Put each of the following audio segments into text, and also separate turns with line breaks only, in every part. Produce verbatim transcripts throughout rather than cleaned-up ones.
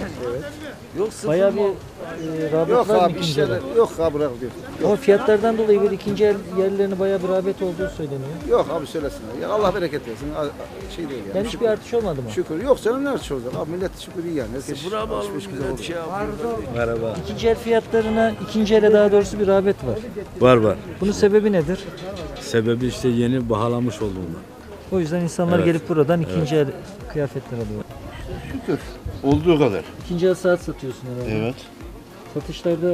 Evet.
Yok sıfır
Bayağı
mı?
bir e, rağbet
Yok
var mı
abi
ikinci
işler
elde?
yok abi bırak diyor.
Ama fiyatlardan dolayı böyle ikinci el yerlerine bayağı bir rağbet olduğu söyleniyor.
Yok abi söylesin. Ya Allah bereket versin. A- a- Şey değil yani.
Yani hiçbir artış olmadı mı?
Şükür. Yok canım ne artış olacak? Abi millet şükür iyi yani. Herkes
Sıfıra mı
alışveriş
almış
güzel
millet
oldu.
şey yapıyor.
Merhaba.
İkinci el fiyatlarına, ikinci ele daha doğrusu bir rağbet var.
Var var.
Bunun sebebi nedir?
Sebebi işte yeni bahalamış olduğundan.
O yüzden insanlar
Evet.
gelip buradan ikinci el kıyafetler alıyor.
Şükür. Olduğu kadar.
İkinci el saat satıyorsun herhalde.
Evet.
Satışlarda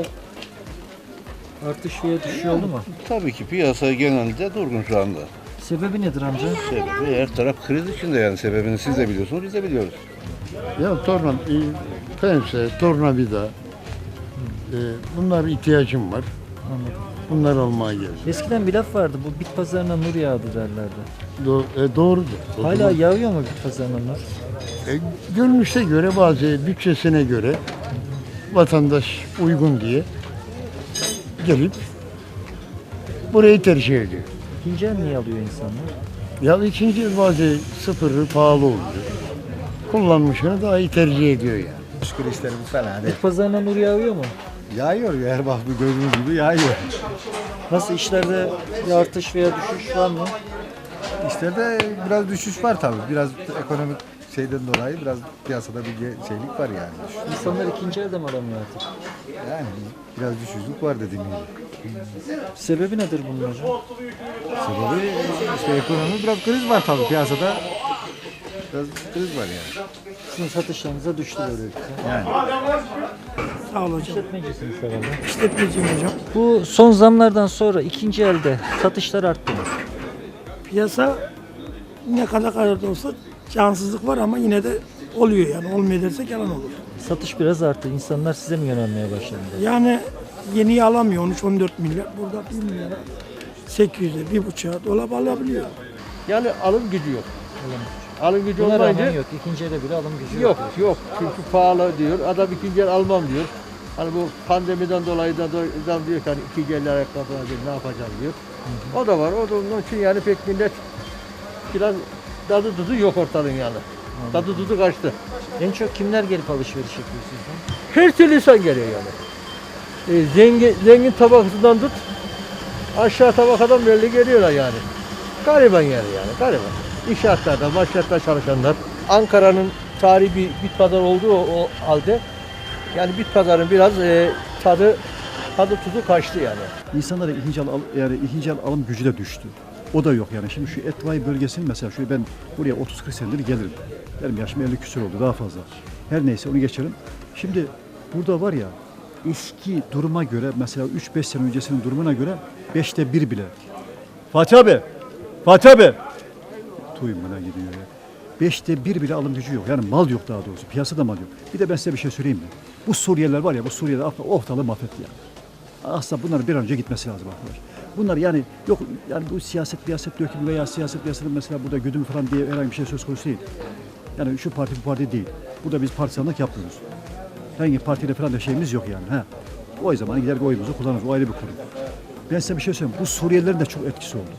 artış veya düşüş oldu mu?
Tabii ki piyasa genelde durgun şu anda.
Sebebi nedir amca?
Sebebi her taraf kriz içinde yani sebebini siz de biliyorsunuz biz de biliyoruz.
Ya torna, e, pense, tornavida, e, bunlar ihtiyacım var.
Anladım.
Bunlar almaya geldim.
Eskiden bir laf vardı, bu bit pazarına nur yağdı derlerdi.
Do e, doğrudur. O
Hala
zaman,
yağıyor mu bit pazarına nur?
e, görünüşe göre bazı bütçesine göre vatandaş uygun diye gelip burayı tercih ediyor.
İkinci el niye alıyor insanlar?
Ya ikinci el bazı sıfırı pahalı oluyor. Kullanmışını daha iyi tercih ediyor yani.
Şükür işlerimiz fena değil.
Bit pazarına nur yağıyor mu?
Yağıyor ya her bak bu gördüğünüz gibi yağıyor.
Nasıl işlerde bir artış veya düşüş var mı?
İşlerde biraz düşüş var tabii. Biraz ekonomik şeyden dolayı biraz piyasada bir ge- şeylik var yani. Düş-
İnsanlar ikinci elde mi alamıyor artık?
Yani biraz düşüşlük var dediğim gibi.
Sebebi nedir bunun hocam?
Sebebi işte ekonomi biraz kriz var tabii piyasada. Biraz kriz var yani.
Sizin satışlarınıza düştü böylelikle.
Yani.
Sağ ol hocam.
İşletmecisiniz herhalde.
İşletmeciyim hocam.
Bu son zamlardan sonra ikinci elde satışlar arttı mı?
Piyasa ne kadar kadar da olsa cansızlık var ama yine de oluyor yani. Olmuyor dersek yalan olur.
Satış biraz arttı. İnsanlar size mi yönelmeye başladı?
Yani yeniyi alamıyor on üç on dört milyar. Burada bir milyara sekiz yüze, bir buçuğa dolap alabiliyor.
Yani alım gücü yok. Alım gücü
Buna
olmayınca
rağmen yok. İkinci elde bile alım gücü yok.
yok yok çünkü pahalı diyor. Adam ikinci el almam diyor. Hani bu pandemiden dolayı da adam diyor ki hani ikinci el ayakkabı alacağım, ne yapacağım diyor. O da var. O da onun için yani pek millet biraz tadı tuzu yok ortalığın yani. Tadı tuzu kaçtı.
En çok kimler gelip alışveriş yapıyor sizden?
Her türlü insan geliyor yani. E, zengin, zengin tabakasından tut aşağı tabakadan belli geliyorlar yani. Gariban yani yani gariban. İnşaatlarda, maşraatta çalışanlar. Ankara'nın tarihi bir bit pazarı olduğu o, o halde yani bit pazarının biraz e, tadı tadı tuzu kaçtı yani.
İnsanlara ikinci el, al- yani ikinci el alım gücü de düştü. O da yok yani. Şimdi şu Etvai bölgesinin mesela şu ben buraya otuz kırk senedir gelirim. Benim yaşım elli küsur oldu daha fazla. Her neyse onu geçelim. Şimdi burada var ya eski duruma göre mesela üç beş sene öncesinin durumuna göre beşte bir bile. Fatih abi! Fatih abi! Tuyum bana gidiyor ya. Beşte bir bile alım gücü yok. Yani mal yok daha doğrusu. Piyasada mal yok. Bir de ben size bir şey söyleyeyim mi? Bu Suriyeliler var ya bu Suriye'de ortalığı mahvetti yani. Aslında bunların bir an önce gitmesi lazım arkadaş. Bunlar yani yok yani bu siyaset siyaset dökümü veya siyaset piyasanın mesela burada güdümü falan diye herhangi bir şey söz konusu değil. Yani şu parti bu parti değil. Burada biz partisanlık yapmıyoruz. Hangi partiyle falan da şeyimiz yok yani. Ha. O zaman gider oyumuzu kullanırız. O ayrı bir konu. Ben size bir şey söyleyeyim. Bu Suriyelilerin de çok etkisi oldu.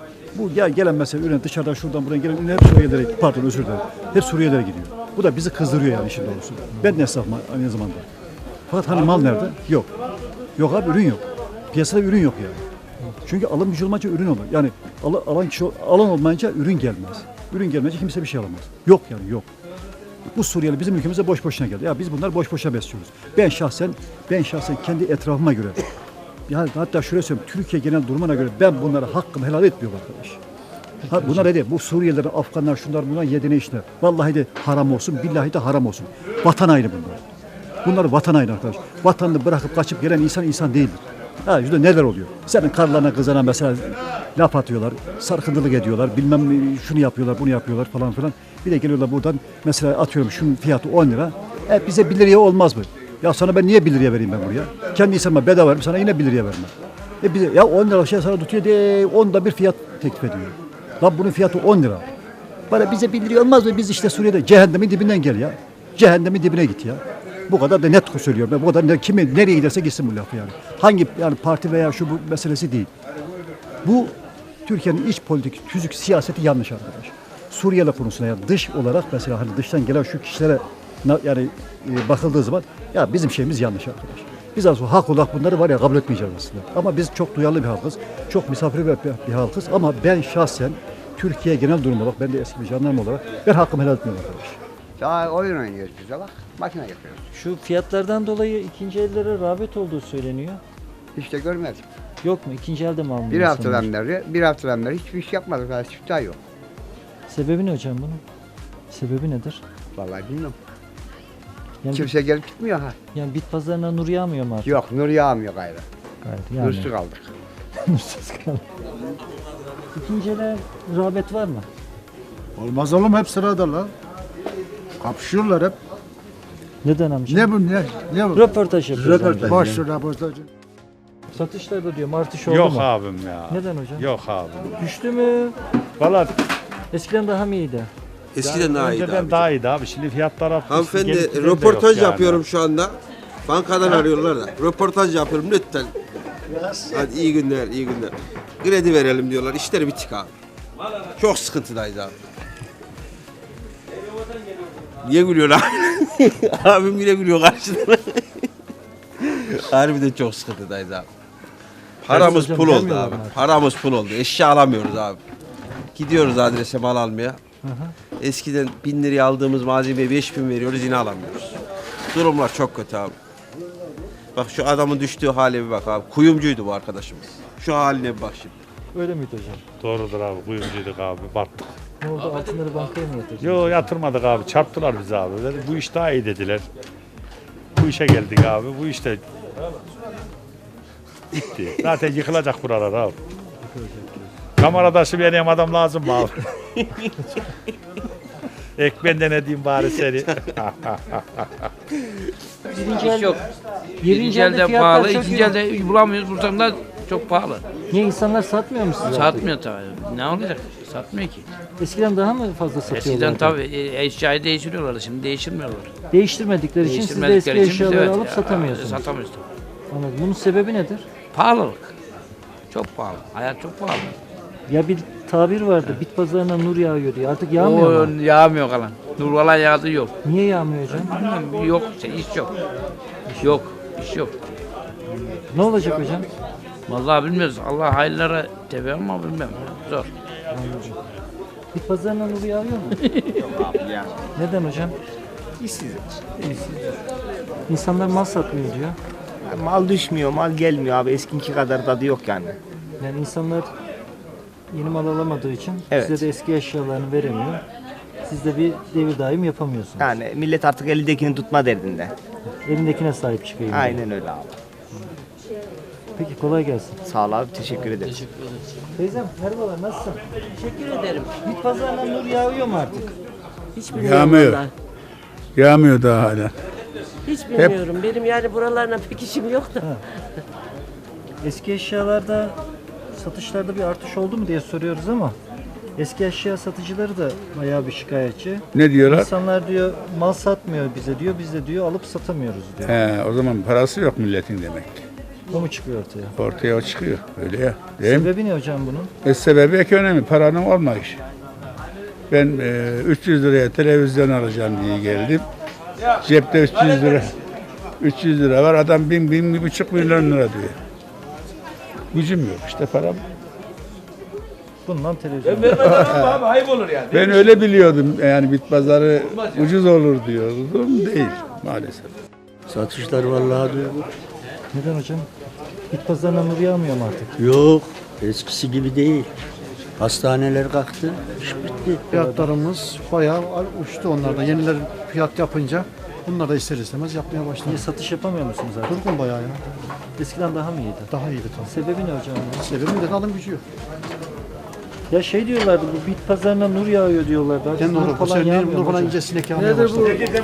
Bu gel, gelen mesela ürün dışarıdan şuradan buradan gelen ürün hep Suriyelilere, pardon özür dilerim. Hep Suriyelilere gidiyor. Bu da bizi kızdırıyor yani işin doğrusu. Ben de esnafım aynı zamanda. Fakat hani mal nerede? Yok. Yok abi ürün yok. Piyasada ürün yok yani. Çünkü alım gücü olmayınca ürün olur. Yani al, alan kişi alan olmayınca ürün gelmez. Ürün gelmeyince kimse bir şey alamaz. Yok yani yok. Bu Suriyeli bizim ülkemize boş boşuna geldi. Ya biz bunlar boş boşuna besliyoruz. Ben şahsen ben şahsen kendi etrafıma göre yani hatta şöyle söyleyeyim Türkiye genel durumuna göre ben bunlara hakkımı helal etmiyorum arkadaş. Ha, bunlar ne diyor? Bu Suriyeliler, Afganlar, şunlar bunlar yediğine işler. Vallahi de haram olsun, billahi de haram olsun. Vatan haini bunlar. Bunlar vatan haini arkadaş. Vatanını bırakıp kaçıp gelen insan insan değildir. Ha işte neler oluyor? Senin karlarına kızana mesela laf atıyorlar, sarkıntılık ediyorlar, bilmem şunu yapıyorlar, bunu yapıyorlar falan filan. Bir de geliyorlar buradan mesela atıyorum şunun fiyatı on lira. E bize bir liraya olmaz mı? Ya sana ben niye bir liraya vereyim ben buraya? Kendi insanıma bedava veririm, sana yine bir liraya vermem. E bize, ya on lira şey sana tutuyor diye onda bir fiyat teklif ediyor. Lan bunun fiyatı on lira. Bana bize bir liraya olmaz mı? Biz işte Suriye'de cehennemin dibinden gel ya. Cehennemin dibine git ya. Bu kadar da net söylüyorum. Ben bu kadar ne, kimi nereye giderse gitsin bu lafı yani. Hangi yani parti veya şu bu meselesi değil. Bu Türkiye'nin iç politik, tüzük siyaseti yanlış arkadaş. Suriye'yle konusunda yani dış olarak mesela hani dıştan gelen şu kişilere na- yani e, bakıldığı zaman ya bizim şeyimiz yanlış arkadaş. Biz aslında hak olarak bunları var ya kabul etmeyeceğiz aslında. Ama biz çok duyarlı bir halkız. Çok misafirper bir, bir halkız. Ama ben şahsen Türkiye genel durum olarak, ben de eski bir jandarma olarak ben hakkımı helal etmiyorum arkadaş.
Daha oyun oynuyoruz biz de bak. Makine yapıyoruz.
Şu fiyatlardan dolayı ikinci ellere rağbet olduğu söyleniyor.
Hiç de görmedim.
Yok mu? İkinci elde mi alınıyor?
Bir
insanlar?
haftadan beri, bir haftadan beri hiçbir iş yapmadık. Daha çift ay yok.
Sebebi ne hocam bunun? Sebebi nedir?
Vallahi bilmiyorum.
Yani,
Kimse gelip gitmiyor ha.
yani bit pazarına nur yağmıyor mu artık?
Yok, nur yağmıyor gayrı.
Gayet yani.
Nursuz kaldık.
Nursuz kaldı. İkinci ele rağbet var mı?
Olmaz oğlum hep sırada lan. Kapışıyorlar hep.
Neden amca?
Ne bu ne? Ne bu?
Röportaj yapıyoruz. amca.
Boş röportajı.
Satışlarda diyor artış oldu
Yok
mu?
abim ya.
Neden hocam?
Yok abi.
Düştü mü?
Valla
Eskiden daha mı iyiydi?
Eskiden daha iyiydi
önceden
abi.
daha iyiydi abi. Şimdi fiyatlar arttı.
Hanımefendi
Gelip giden de
röportaj
yok yani.
yapıyorum şu anda. Bankadan arıyorlar da. Röportaj yapıyorum lütfen. Hadi iyi günler, iyi günler. Kredi verelim diyorlar. İşleri bitik abi. Çok sıkıntıdayız abi. Niye gülüyor abi? Abim yine gülüyor karşıdan. Harbiden çok sıkıntıdayız abi. Paramız
hocam,
pul oldu
gelmiyorlar
abi.
mı artık?
Paramız pul oldu. Eşya alamıyoruz abi. Gidiyoruz adrese mal almaya. Eskiden bin liraya aldığımız malzemeye beş bin veriyoruz, yine alamıyoruz. Durumlar çok kötü abi. Bak şu adamın düştüğü hale bir bak abi. Kuyumcuydu bu arkadaşımız. Şu haline bir bak şimdi.
Öyle miydi hocam?
Doğrudur abi. Kuyumcuyduk abi. Battık.
Ne oldu? Altınları bankaya mı yatırdınız?
Yo yatırmadık abi. Çarptılar bizi abi. Dedi, bu iş daha iyi dediler. Bu işe geldik abi. Bu işte bitti. Zaten yıkılacak buralar abi. Kameradaşı benim adam lazım mı abi? Ek ben de ne diyeyim bari seni.
Birinci el,
Yok.
birinci
Birinci
elde
elde
fiyatlar
pahalı,
çok
ikinci
iyi.
elde bulamıyoruz. Buradan da çok pahalı.
Niye insanlar satmıyor mu size?
Satmıyor tabii. Ne olacak? Satmıyor ki.
Eskiden daha mı fazla satıyorlardı?
Eskiden tabii e, eşyayı değiştiriyorlardı. Şimdi değiştirmiyorlar.
Değiştirmedikleri için siz de eski
Değiştirmedikleri için biz
eşyaları
evet,
alıp
ya,
satamıyorsunuz.
Satamıyoruz tabii.
Anladım. Bunun sebebi nedir?
Pahalılık. Çok pahalı. Hayat çok pahalı.
Ya bir tabir vardı. Bit pazarına nur yağıyor diye. Artık yağmıyor
O
mu?
yağmıyor kalan. Nur falan yağdı yok.
Niye yağmıyor hocam?
Bilmem, yok. Şey, iş yok. Yok. İş yok.
Ne olacak hocam?
Vallahi bilmiyoruz. Allah hayırlara tebe ama bilmem. Zor.
Bit pazarına nur yağıyor mu? Neden hocam?
İşsiz.
İnsanlar mal satmıyor diyor.
Mal düşmüyor, mal gelmiyor abi. Eskinki kadar tadı yok yani.
Yani insanlar yeni mal alamadığı için
Evet.
size de eski eşyalarını veremiyor. Siz de bir devir daim yapamıyorsunuz.
Yani millet artık elindekini tutma derdinde.
Elindekine sahip çıkayım. diyor.
Aynen öyle abi.
Peki kolay gelsin.
Sağ ol abi, teşekkür ederim.
Teyzem merhabalar, nasılsın?
Teşekkür ederim.
Bit pazarına nur yağıyor mu artık?
Hiç bilmiyorum
Yağmıyor.
vallahi.
Yağmıyor daha hala.
Hiç bilmiyorum. Benim yani buralarla pek işim yok da.
Eski eşyalarda satışlarda bir artış oldu mu diye soruyoruz ama eski eşya satıcıları da bayağı bir şikayetçi.
Ne diyorlar?
İnsanlar diyor mal satmıyor bize diyor, biz de diyor alıp satamıyoruz diyor.
He, o zaman parası yok milletin demek ki.
O mu çıkıyor ortaya?
Ortaya o çıkıyor. Öyle ya. Değil mi?
Sebebi ne hocam bunun?
E, sebebi ekonomi. Paranın olmayışı. Ben e, üç yüz liraya televizyon alacağım diye geldim. Cepte üç yüz lira. üç yüz lira var. Adam bin, bin, bir buçuk milyon lira diyor. Gücüm yok işte param.
Bundan televizyon.
abi ayıp olur yani.
Ben öyle biliyordum. Yani bit pazarı ucuz olur diyordum. Değil maalesef.
Satışlar vallahi diyor.
Neden hocam? Bit pazarına nur yağmıyor mu artık?
Yok, eskisi gibi değil. Hastaneler kalktı, iş bitti.
Fiyatlarımız bayağı uçtu onlarda. Yeniler fiyat yapınca bunlar da ister istemez yapmaya başladı.
Niye satış yapamıyor musunuz artık?
Durgun bayağı ya.
Eskiden daha mı iyiydi?
Daha iyiydi tabii.
Sebebi ne hocam? bunun?
Sebebi de alım gücü yok.
Ya şey diyorlardı bu bit pazarına nur yağıyor diyorlardı. Artık
Yani
nur
nur
falan
falan,
yağmıyor
nur falan
hocam.
ince sinek yağmaya başladı.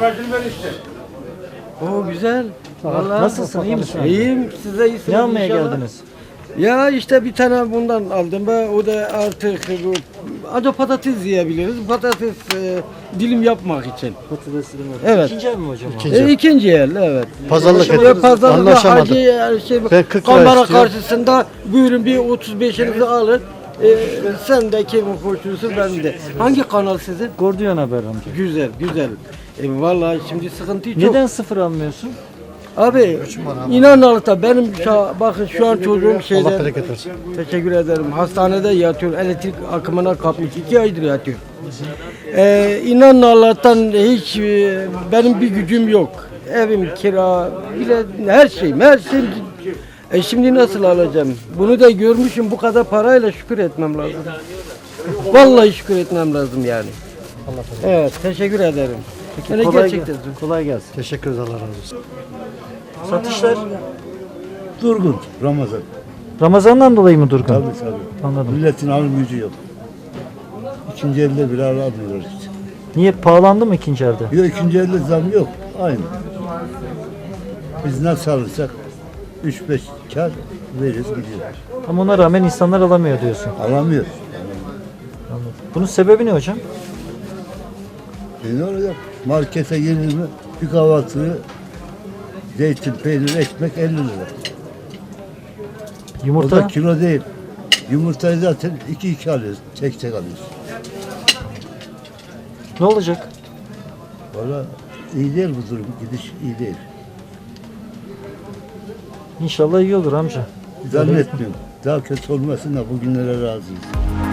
O güzel. Vallahi.
Nasılsın, iyi misin?
İyiyim, size iyisiniz
Ne almaya
inşallah.
geldiniz?
Ya işte bir tane bundan aldım ben. O da artık bu adı patates yiyebiliriz. Patates e, dilim yapmak için.
Patatesli mi?
Evet.
İkinci el mi hocam? o?
İkinci.
E, ikinci el evet.
Pazarlık
Ve
ediyoruz,
pazarlıkta
anlaşamadık.
hacı yani şey,
Ben kırk lira
kamera
istiyorum.
karşısında buyurun bir otuz beşinizi alın. E, sen de kimin hoşunuzu ben de. Hangi kanal sizin?
Gordiyon Haber amca.
Güzel güzel. E vallahi şimdi sıkıntı çok.
Neden sıfır almıyorsun?
Abi inan Allah'a benim şu- bakın şu an çocuğum şeyde.
Allah bereket versin.
Teşekkür ederim. Hastanede yatıyor. Elektrik akımına kapmış. iki aydır yatıyor. Ee, inan Allah'tan hiç e, benim bir gücüm yok. Evim kira, bile her şeyim, her şeyim. E şimdi nasıl alacağım? Bunu da görmüşüm, bu kadar parayla şükür etmem lazım. Vallahi şükür etmem lazım yani. Evet, teşekkür ederim. Yani
kolay,
gerçekten.
gel- kolay gelsin.
Teşekkür ederiz, Allah razı olsun.
Satışlar
Durgun Ramazan.
Ramazan'dan dolayı mı durgun?
Tabii tabii.
Anladım.
Milletin alım gücü yok. İkinci elde bile alamıyoruz.
Niye pahalandı mı ikinci elde?
Bir de ikinci elde zam yok. Aynı. Biz nasıl alırsak üç beş kar veririz gidiyor.
Ama ona rağmen insanlar alamıyor diyorsun.
Alamıyor.
Anladım. Bunun sebebi ne hocam?
E ne olacak? Markete gelir mi? Bir kahvaltıyı zeytin, peynir, ekmek elli lira. O
Yumurta
da kilo değil. Yumurtayı zaten iki iki alıyoruz. Tek tek alıyoruz.
ne olacak?
Valla iyi değil bu durum. Gidiş iyi değil.
İnşallah iyi olur amca.
Zannetmiyorum. Daha kötü olmasın da bugünlere razıyız.